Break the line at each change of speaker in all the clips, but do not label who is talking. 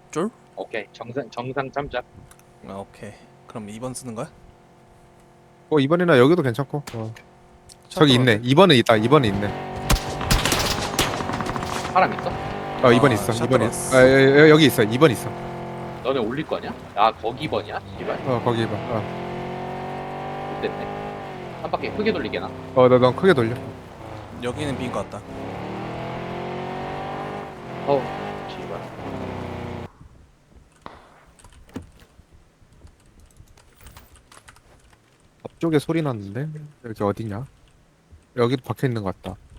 쫄?
오케이. 정상 참작.
아 오케이. 그럼 2번 쓰는 거야?
이번이나 여기도 괜찮고.
차
저기 있네.
들어왔는데?
2번은 있다. 2번은 있네.
사람 있어?
2번 있어.
차
2번
들어왔어.
여기 있어. 2번 있어.
너네 올릴 거냐? 아 거기 번이야? 씨발.
거기 2번.
못됐네. 한 바퀴 크게 돌리게나?
넌 크게 돌려.
여기는 빈 거 같다.
씨발.
앞쪽에 소리 났는데 여기 어디냐? 여기도 박혀 있는 것 같다.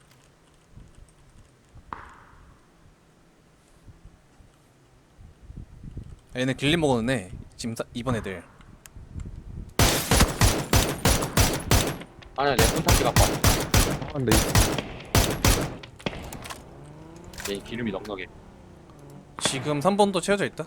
얘네 길리 먹었네. 지금 2번 애들.
아니야 내 손탁지 갖고 왔어.
근데
얘 기름이 넉넉해.
지금 3번도 채워져 있다.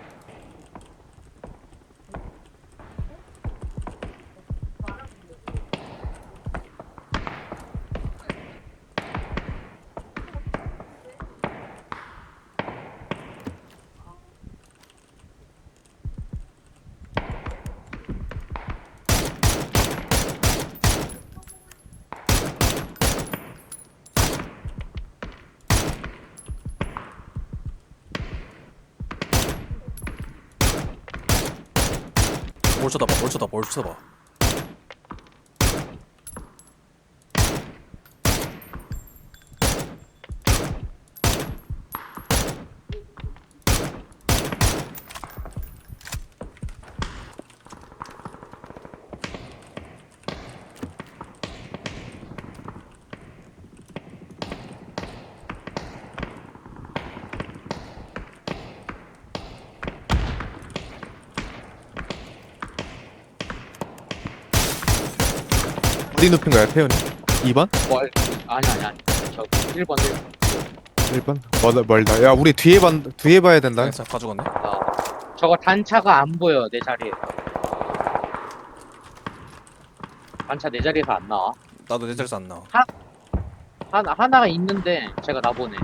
뭘 쳐다봐, 뭘 쳐다봐, 뭘 쳐다봐.
어디 눕힌 거야, 태훈이? 2번?
뭘? 아니. 저기 1번
1번? 멀다. 야, 우리 뒤에 봐야 된다.
자, 다 죽었네.
저거 단차가 안 보여 내 자리에. 단차 내 자리에서 안 나와.
나도 내 자리에서 안 나와.
하나가 있는데 제가 나보네.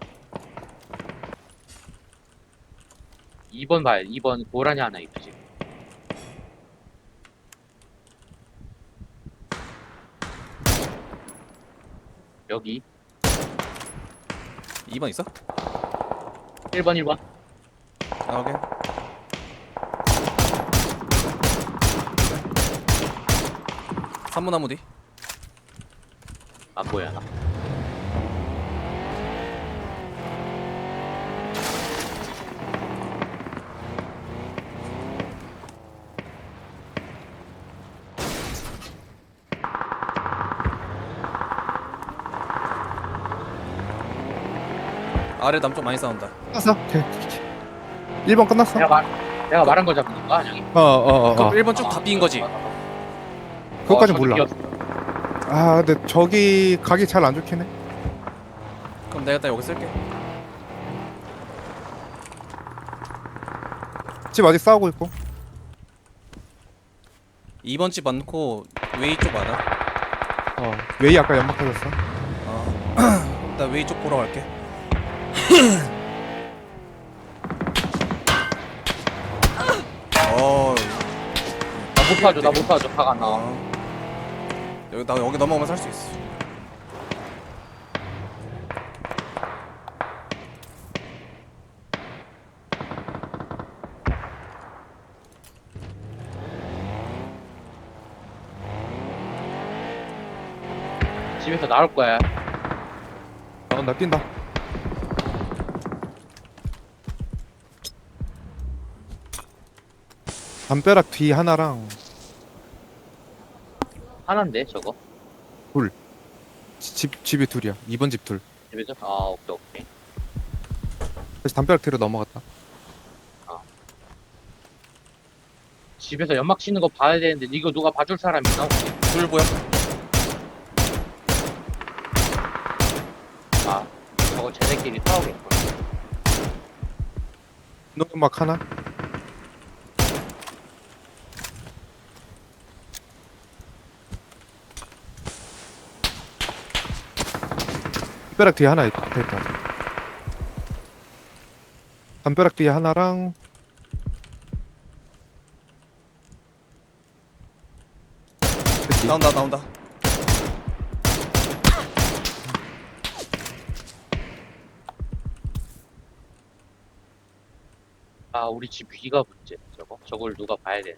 2번 봐요. 2번 고라니 하나 있지. 여기
2번 있어?
1번
아, 오케이. 3번 나무 뒤.
안 보여 나.
아래 남쪽 많이 싸운다.
끝났어? 오케이. 1번 끝났어?
내가 말한 거 잡는 건가, 형이?
그럼 1번 쭉 다 빈 거지?
그것까지
저기
몰라.
비었어.
근데 저기 각이 잘 안 좋긴 해.
그럼 내가 딱 여기 쓸게.
집 아직 싸우고 있고.
2번 집 많고 웨이 쪽 많아.
웨이 아까 연막 터졌어.
나 웨이 쪽 보러 갈게. 어,
나 못 봐줘. 화가 안 나와.
나 여기 넘어가면 살 수 있어.
집에서 나올 거야.
나 뛴다. 담벼락 뒤 하나랑
하나인데, 저거.
집이 둘이야. 2번 집 둘.
집에서? 오케이.
다시 담벼락 뒤로 넘어갔다.
집에서 연막 치는 거 봐야 되는데, 이거 누가 봐줄 사람 있나? 혹시?
둘 보여?
저거 쟤네끼리 싸우겠구나.
연막 하나. 담벼락 뒤에 하나 있다. 담벼락 뒤에 하나랑 새끼.
나온다.
아, 우리 집 위가 문제. 저걸 누가 봐야 되는데.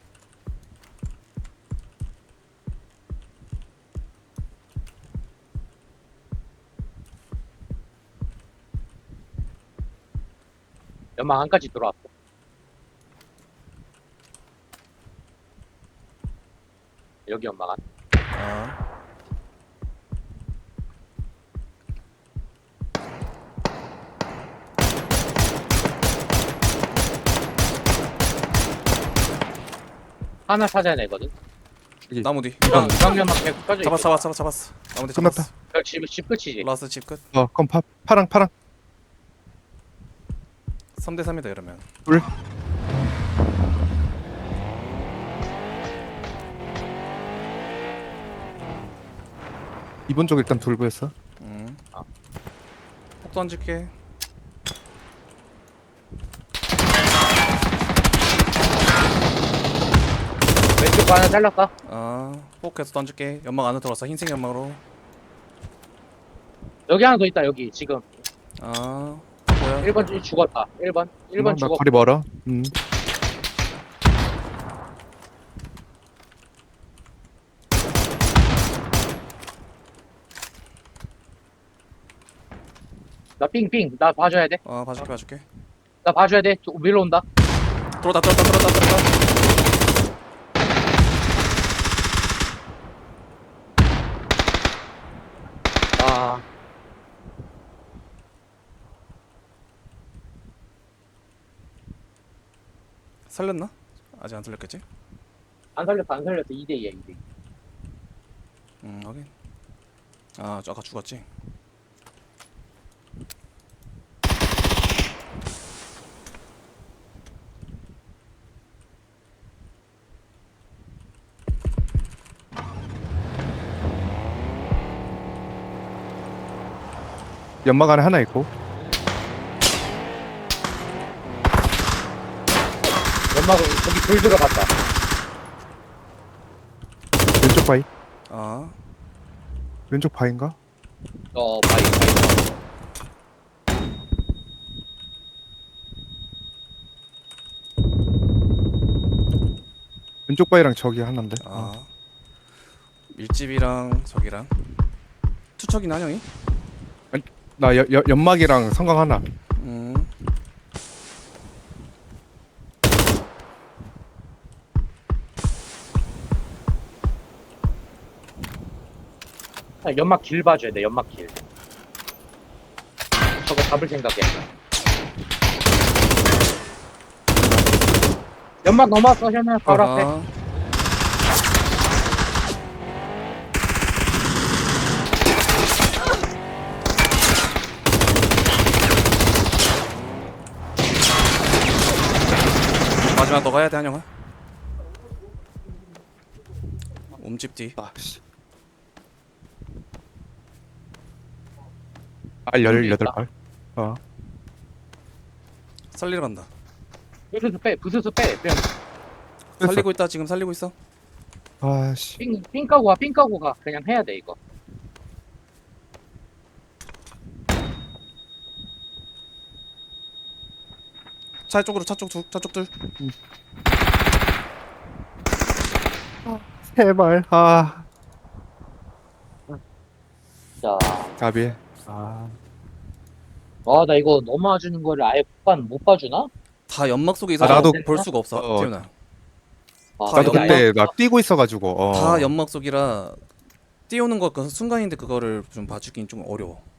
연막 안까지 들어왔고. 여기 연막 안.
아
하나 찾아내거든.
나무 뒤.
유광 연막 계속 펴져 있어.
잡았어. 나무 뒤
끝났다.
잡았어.
집 끝이지.
라스 집 끝.
그럼 파랑
3대 3이다 이러면.
둘. 이번 쪽 일단 돌고 했어.
폭 던질게.
왼쪽 거 하나 잘랐다.
폭 계속 던질게. 연막 안으로 들어왔어. 흰색 연막으로.
여기 하나 더 있다. 여기 지금
뭐야?
1번 죽었다. 1번
나
죽었고.
거리 멀어.
나 삥삥. 나 봐줘야 돼.
봐줄게.
나 봐줘야 돼. 위로 온다.
들어왔다.
아,
살렸나? 아직 안 살렸겠지?
안 살렸어. 2대2야, 2대2.
확인. 저 아까 죽었지?
연막 안에 하나 있고.
연막은 거기 불 들어갔다.
왼쪽 바위.
아
왼쪽 바위인가?
바위.
왼쪽 바위랑 저기 하나인데.
밀집이랑 저기랑 투척이나 형이?
나 연막이랑 성광 하나.
연막 길 봐줘야 돼. 연막 길. 저거 잡을 생각해. 연막 넘어왔어. 현우야 바로 앞에.
마지막 너가 해야 돼 한영아. 몸집 뒤.
씨. 18발.
살리러 간다.
부스스 빼. 그냥
살리고 있다. 지금 살리고 있어.
아씨.
삥 까고 가. 그냥 해야 돼, 이거.
차 쪽으로 차 쪽 둘.
제발.
자.
가비.
나 이거 넘어와주는 거를 아예 못 봐주나?
다 연막 속에 있어서
나도
볼 수가 없어.
어.
태훈아.
나도
연막-
그때 나 뛰고 있어가지고.
다 연막 속이라 띄우는 거 그 순간인데 그거를 좀 봐주긴 좀 어려워.